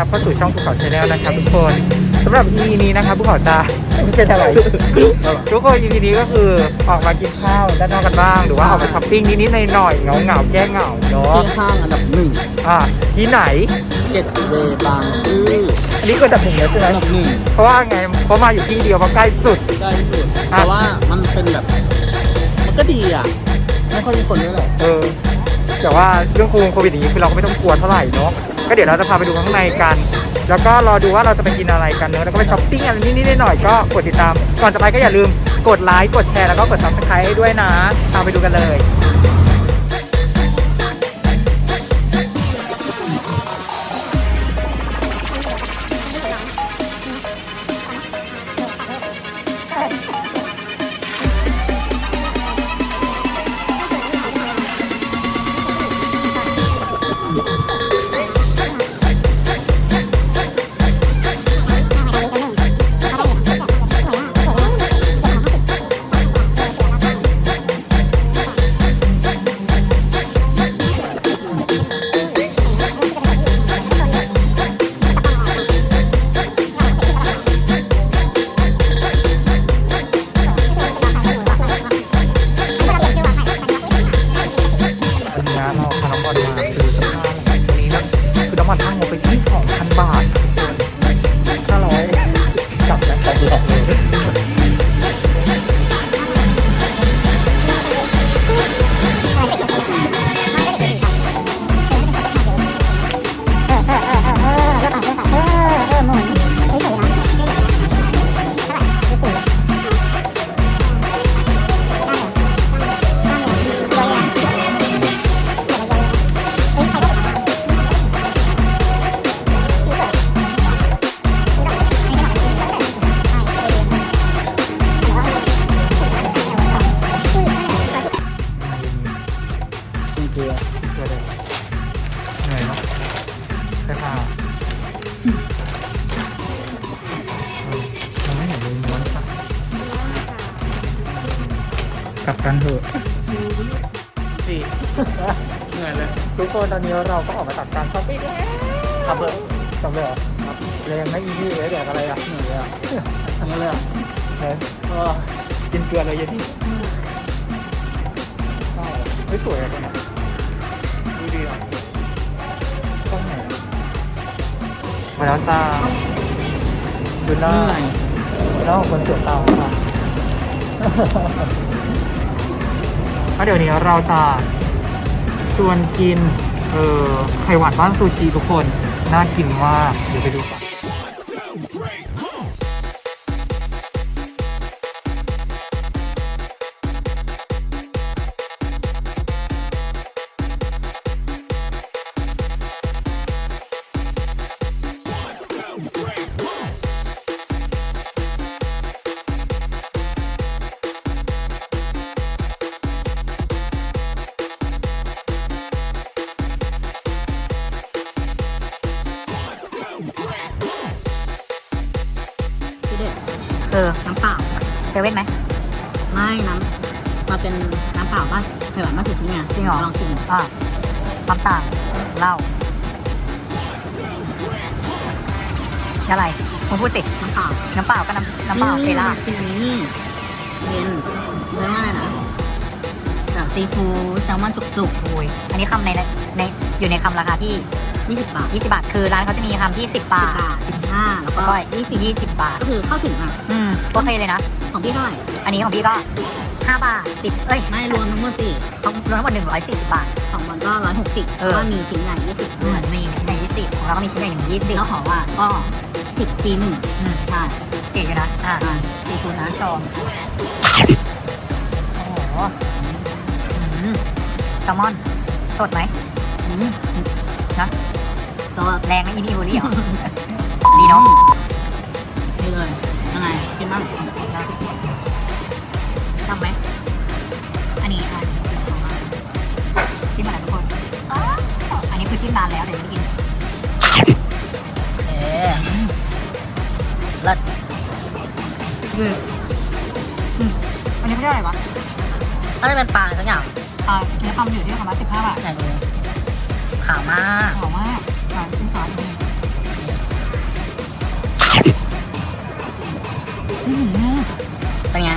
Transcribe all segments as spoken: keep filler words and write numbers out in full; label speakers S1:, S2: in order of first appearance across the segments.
S1: รับเข้าสู่ช่องภูเขาชาแนลนะครับทุกคนสำหรับ อี พี นี้นะครับภูเขาจะไม่เป็นอะไรทุกคน อี พี นี้ก็คือออกมากินข้าวด้านนอกกันบ้างหรือว่าออกมาช้อปปิ้งนิดๆหน่อยๆเหงาๆแก้เหงาเนาะ
S2: ที่ห้างอันดับหนึ่ง
S1: อ่าที่ไหน
S2: เจ็ดเวบางซื่อ
S1: อันนี้ก็อันดับหนึ่งแล้วใช่ไหม
S2: อันดับหนึ่ง
S1: เพราะว่าไงเพราะมาอยู่ที่เดียวเพราะใกล้สุด
S2: ใกล้สุดแต่ว่ามันเป็นแบบมันก็ดีอ่ะไม่ค่อยมีคนด้วยแหละ
S1: เออแต่ว่าเรื่องโควิดอย่างนี้คือเราก็ไม่ต้องกลัวเท่าไหร่เนาะก็เดี๋ยวเราจะพาไปดูข้างในกัน แล้วก็รอดูว่าเราจะไปกินอะไรกันเนอะแล้วก็ไปช้อปปิ้งอะไรนิดๆหน่อยๆก็กดติดตามก่อนจะไปก็อย่าลืมกดไลค์กดแชร์แล้วก็กด ซับสไครบ์ ให้ด้วยนะตามไปดูกันเลย
S2: เกลือ
S1: เพื่อเลยเหนื่อยเนาะใช่ป่ะมันไม่เห็นเลยม้วนปะกลับกันเถอะสี่เหนื่อยเลยทุกคนตอนนี้เราก็ออกมาตัดการช้อปปิ้งแล้วครับเบอร์จำเลยเหรอครับเลยยังไม่อีพีเลยแดกอะไรอ่ะเหนื่อยเลยอ่ะ
S2: อันนี้เลยอ่ะ
S1: เฮ้ยกินเกลือเลยยันที่ไม่สวยอะตรงไหนดูดีอ่ะต้องไหนมาแล้วจ้าดูหน้าหน้าของคนเสือเตาค่ะเดี๋ยวนี้เราจะชวนกินเออไข่หวานบ้านซูชิทุกคนน่ากินมากเดี๋ยวไปดูกัน
S3: เออน้ำเปล่าเซเว่นไหม
S4: ไม่น้ำมาเป็นน้ำเปล่าบ้านไข่หวานบ้านสุชิไง
S3: จริงเหรอ
S4: ลองชิม
S3: อ่าความต่างเหล้าอะไรคุณพูดสิ
S4: น้ำเปล่า
S3: น้ำเปล่าก็น้ำน้ำเปล่าเฟล่า
S4: กินอันนี้นี่เป็นเรียกว่าอะไรนะแบบซีฟู้ดแซลมอนจุก
S3: โอ้ยอันนี้คำในในอยู่ในคำราคาที่
S4: ๆยี่สิบบาท
S3: ยี่สิบบาทคือร้านเขาจะมีคำที่สิบบา
S4: สิบ
S3: ท
S4: บาทสิบห้าแล้ว
S3: แล้ว
S4: ก็
S3: ก็ยี่สิบยี่สิบบาท
S4: ก็คือเข้าถึงอ่ะ
S3: อืมโอเคเลยนะ
S4: ของพี่เท่าไหร่
S3: อันนี้ของพี่ก็ห้าบาทสิบเอ้ย
S4: ไม่รวมทั้งหมดสิ
S3: ของรวมทั้งหมดหนึ่งร้อยสี่สิบบาท
S4: ของมันก็ร้อยหกสิบเพ
S3: เออ
S4: ราะว่ามีชิ้นใหญ่ยี่สิบ
S3: เห
S4: ด้ว
S3: มื
S4: ย
S3: อนมีชิ้นใหญ่ยี่สิบของเราก็มีชิ้นใหญ่หนึ่งยี่สิบ
S4: แล้วขอว่าก็สิบฟรีหนึ่ง
S3: อืม
S4: ใช่
S3: เก๋อยู่นะอ่า
S4: อ่าซีฟู้ดนะ
S3: ชมโอ้โหอืมแซลมอนสดไหม
S4: อืม
S3: นะ
S4: ตัว
S3: แรงไหมอีนี่บูรี่เหรอ ดีเนาะ
S4: นี่เลยยังไงกินบ้าง
S3: ทำไหมอันนี้อ่ะจิ้มอะไรทุกคนอันนี้คือจิ้มนานแล้วแต่ยังไม่กิน
S4: เอ๊ะเลิศ
S3: อืมอืมอันนี้ไม่ได้อะไรวะ
S4: น่าจะเป็นปลาอะไรสักอย่าง
S3: อ่าเนื้อคำอยู่ที่ประมาณสิบห้าบาท
S4: ไหนดูขาวมาก
S3: หอมมากอ่าจิ้มซอสนิดนึงอื้อหือ
S4: เป็นไง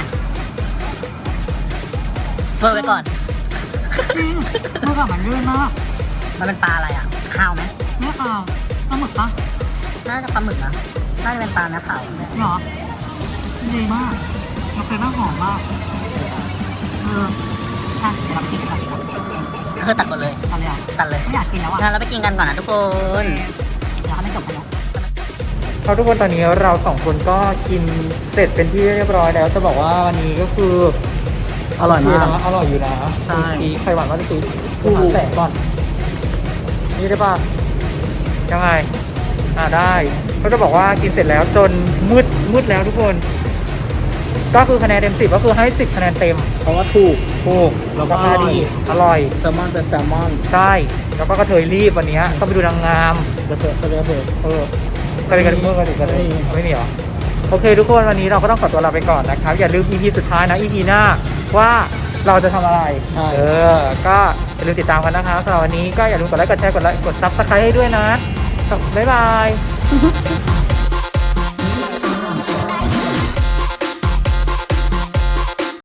S4: เพิ่มไปก่อน
S3: จริงเมื่อก่อนมันลื่นมาก
S4: มันเป็นปลาอะไรอ่ะ ข้าวไหม
S3: ไม่ขาวปลาหมึกปะ
S4: น่าจะปลาหมึกนะ น่าจะเป็นปลาเนื้อขาวเนี่ย
S3: เหรอดีมากเราเคยบ้างหอมมากเอออ่ะเดี๋ยวเราไปกินกันก่อนดีกว่า
S4: คือตัดหมดเลย
S3: ตอนเลยอ่ะ
S4: ตัดเลย
S3: ไม่อยากกินแล้วอ่ะ
S4: งั้นเราไปกินกันก่อนนะทุกคน
S3: เดี๋ยวเขาไม่จบกันแล้ว
S1: ครับทุกคนตอนนี้เราสองคนก็กินเสร็จเป็นที่เรียบร้อยแล้วจะบอกว่าวันนี้ก็คือ
S2: อร่อยมาก
S1: นะอร่อยอยู่นะ
S2: ใช่
S1: มีไข่หวานว่าจะซื้อกูหาแสงก่อนนี่ได้ป่ะยังไงอ่าได้เขาจะบอกว่ากินเสร็จแล้วจนมืดมืดแล้วทุกคน ก็คือคะแนนเต็มสิบก็คือให้สิบคะแนนเต็ม
S2: เพราะว่าถูก
S1: ถูก
S2: แล้วก็
S1: ราคาดีอร่อย
S2: แซลมอนเป็นแซลมอน
S1: ใช่แล้วก็กระเทยรีบวันนี้ต้องไปดูนางงาม
S2: กระเทียมกระเทียมเผ็ด
S1: เออก็เลยกันเมื่อกันอีกกันเลย
S2: ไม่มี
S1: ไม่มีเหรอโอเคทุกคนวันนี้เราก็ต้องขอตัวลาไปก่อนนะครับอย่าลืม อี พี สุดท้ายนะ อี พี หน้าว่าเราจะทำอะไร
S2: ใช่
S1: เออก็อย่าลืมติดตามกันนะครับสำหรับวันนี้ก็อย่าลืมกดไลค์กดแชร์กดไลค์กดซับสไครต์ให้ด้วยนะบ๊ายบาย